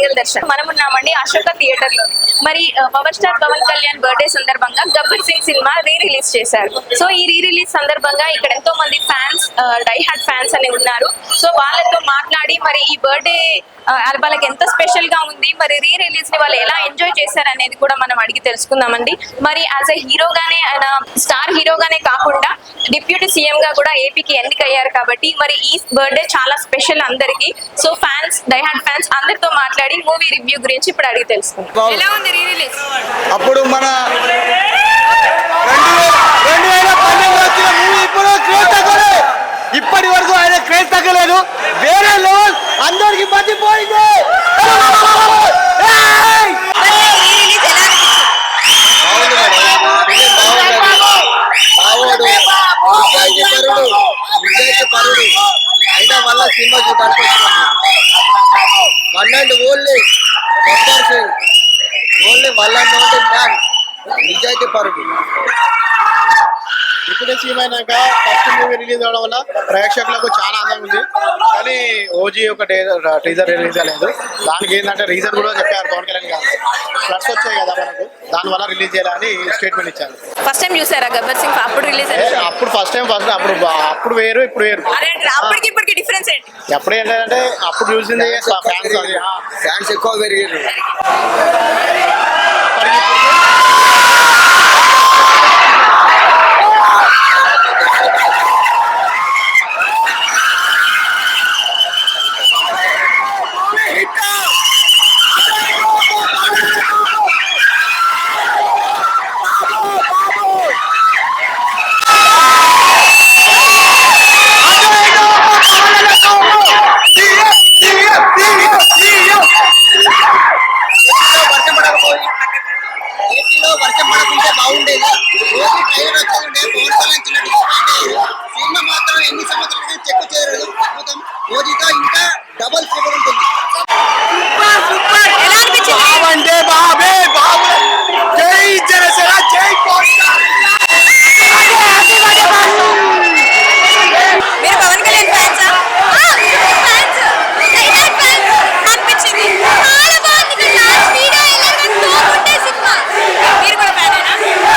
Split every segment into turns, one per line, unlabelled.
దర్శన్. మనం ఉన్నామండి అశోక థియేటర్ లో. మరి power star Pawan Kalyan birthday సందర్భంగా గబ్బర్ సింగ్ సినిమా రిలీజ్ చేశారు. సో ఈ రిలీజ్ సందర్భంగా ఇక్కడ ఎంతో మంది ఫ్యాన్స్, డై హార్ట్ ఫ్యాన్స్ అని ఉన్నారు. సో వాళ్ళతో మాట్లాడి మరి ఈ బర్త్డే వాళ్ళకి ఎంత స్పెషల్ గా ఉంది, మరి రిలీజ్ ని వాళ్ళు ఎలా ఎంజాయ్ చేశారు అనేది కూడా మనం అడిగి తెలుసుకుందామండి. మరి యాజ్ ఎ హీరోగానే, ఆయన స్టార్ హీరోగానే కాకుండా డిప్యూటీ సీఎం గా కూడా ఏపీకి ఎన్నికయ్యారు కాబట్టి మరి ఈ బర్త్డే చాలా స్పెషల్ అందరికి. So fans, die hard fans అందరితో మాట్లాడి మూవీ రివ్యూ గురించి ఇప్పుడు అడిగి తెలుసుకుందాం. ఎలా ఉంది రిలీజ్?
అప్పుడు మన 2012 వచ్చిన మూవీ ఇప్పుడు క్రేజ్ తగ్గలేదు. ఇప్పటి వరకు ఆయన క్రేజ్ తగ్గలేదు. వేరే లెవెల్ అందరికి మర్చిపోయింది. అయినా వల్ల సినిమా చూడడానికి one and only Gabbar Singh, only one and only man, నిజాయితీ పరుడు.
ఇప్పుడు సీమైనాక ఫస్ట్ మూవీ రిలీజ్ అవడం వల్ల ప్రేక్షకులకు చాలా ఆనందం ఉంది. కానీ ఓజీ ఒక టీజర్ రిలీజ్ అవ్వలేదు. దానికి ఏంటంటే రీజన్ కూడా చెప్పారు పవన్ కళ్యాణ్ గారు. ఫ్లడ్స్ వచ్చాయి కదా మనకు, దానివల్ల రిలీజ్ చేయాలని స్టేట్మెంట్ ఇచ్చారు.
ఫస్ట్ టైం చూసారా గబ్బర్ సింగ్? అప్పుడు రిలీజ్
అప్పుడు ఫస్ట్ టైం అప్పుడు వేరు, ఇప్పుడు వేరు.
అప్పటికి ఇప్పటికి డిఫరెన్స్ ఏంటి?
ఎప్పుడు ఏంటంటే అప్పుడు చూసింది
ఫ్యాన్స్ ఎక్కువ పెరిగారు. ఏపీలో వర్షం పడకుంటే బాగుండేది. రోజు ట్రైలర్ వచ్చేది పవన్ కళ్యాణ్ చిన్న డిస్పాయింట్ అయ్యారు. సినిమా మాత్రం ఎన్ని సంవత్సరాలు చెక్ చేయలేదు. అద్భుతం. రోజుతో ఇంకా డబల్ ట్రిబుల్ ఉంటుంది.
ఎలా అనిపించింది?
బాబే బాబు, జై జనసేన, జై పవన్ కళ్యాణ్.
మీరు పవన్ కళ్యాణ్ ఫ్యాన్సా? అనిపించింది చాలా బాగుంది. లాస్ట్ వీడియో ఇలాగా తోకుంటే సినిమా. మీరు కూడా ఫ్యానేనా?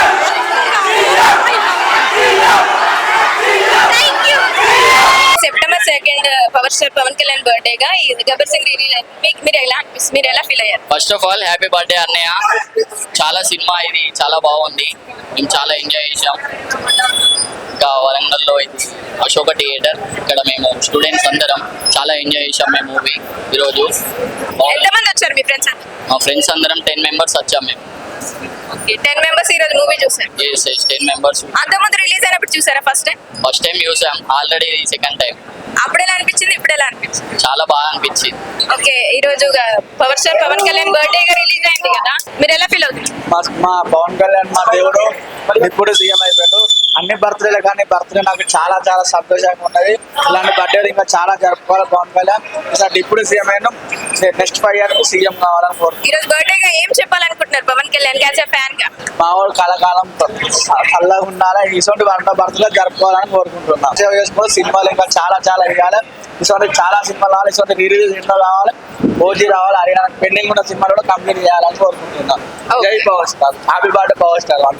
September 2 power star Pawan Kalyan బర్త్డేగా ఈ గబ్బర్ సింగ్ రిలీజ్. మీరు ఎలా ఫీల్ అయ్యారు?
First of all happy birthday అన్నయ్య. చాలా సినిమా ఇది చాలా బాగుంది, మేము చాలా ఎంజాయ్ చేసాం. ఇంకా వరంగల్లో ఇది అశోక థియేటర్, ఇక్కడ మేము స్టూడెంట్స్ అందరం చాలా ఎంజాయ్ చేసాం మేము మూవీ ఈరోజు.
ఎంతమంది వచ్చారు మీ ఫ్రెండ్స్?
మా ఫ్రెండ్స్ అందరం 10 members వచ్చాం మేము.
10 members ఈ రోజు మూవీ చూసారు?
10 members.
అంతకుముందు రిలీజ్ అయినప్పుడు చూసారా ఫస్ట్ టైం?
ఫస్ట్ టైం చూసాం, ఆల్రెడీ సెకండ్ టైం.
అప్పుడు ఎలా అనిపించింది, ఇప్పుడు ఎలా అనిపించింది?
చాలా బాగా అనిపించింది.
ఓకే, ఈ రోజు power star Pawan Kalyan birthday గా రిలీజ్ అయింది కదా, మీరు ఎలా ఫీల్ అవుతుంది?
మా పవన్ కళ్యాణ్ మా దేవుడు, ఇప్పుడు సీఎం అయిపోయాడు. అన్ని బర్త్డేలు కానీ బర్త్డే నాకు చాలా చాలా సంతోషంగా ఉన్నది. ఇలాంటి బర్త్డేలు ఇంకా చాలా జరుపుకోవాలి. పవన్ కళ్యాణ్ ఇప్పుడు సీఎం అయినా నెక్స్ట్ 5 years సీఎం కావాలని కోరుకుంటున్నాను.
ఈ రోజు బర్త్డే గా ఏం చెప్పాలనుకుంటున్నారు Pawan Kalyan as a fan గా?
మా వాడు కళాకాలం చల్లగా ఉండాలి, ఇటువంటి బర్త్డే జరుపుకోవాలని కోరుకుంటున్నాను. సేవ చేసుకుని సినిమాలు ఇంకా చాలా చాలా వేయాలి. ఇటువంటి చాలా సినిమాలు రావాలి, ఇటువంటి రిలీజ్ సినిమా కావాలి, ఓజీ రావాలి, హరియాణా పెండింగ్ ఉన్న సినిమాలు కూడా కంప్లీట్ చేయాలని కోరుకుంటున్నాను. జై power star, happy birthday power star.